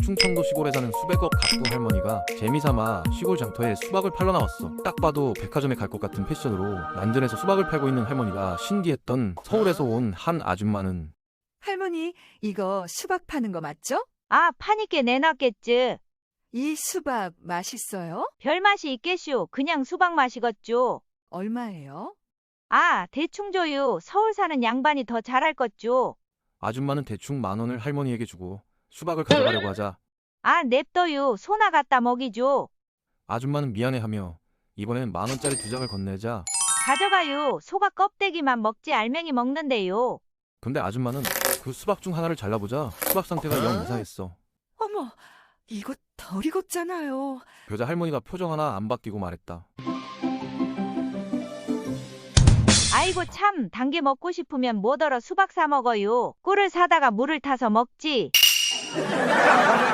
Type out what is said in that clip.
충청도 시골에 사는 수백억 가구 할머니가 재미삼아 시골 장터에 수박을 팔러 나왔어. 딱 봐도 백화점에 갈 것 같은 패션으로 난전에서 수박을 팔고 있는 할머니가 신기했던 서울에서 온 한 아줌마는 할머니, 이거 수박 파는 거 맞죠? 아, 파니께 내놨겠지. 이 수박 맛있어요? 별 맛이 있겠슈. 그냥 수박 맛이겠죠. 얼마예요? 아, 대충 줘요. 서울 사는 양반이 더 잘할 것죠. 아줌마는 대충 10,000원을 할머니에게 주고 수박을 가져가려고 하자 아, 냅둬요. 소나 갖다 먹이죠. 아줌마는 미안해하며 이번엔 10,000원짜리 2장을 건네자 가져가요. 소가 껍데기만 먹지 알맹이 먹는데요. 근데 아줌마는 그 수박 중 하나를 잘라보자 수박 상태가 영 이상했어. 어머, 이거 덜 익었잖아요. 그러자 할머니가 표정 하나 안 바뀌고 말했다. 아이고 참, 단 게 먹고 싶으면 뭐더러 수박 사 먹어요. 꿀을 사다가 물을 타서 먹지.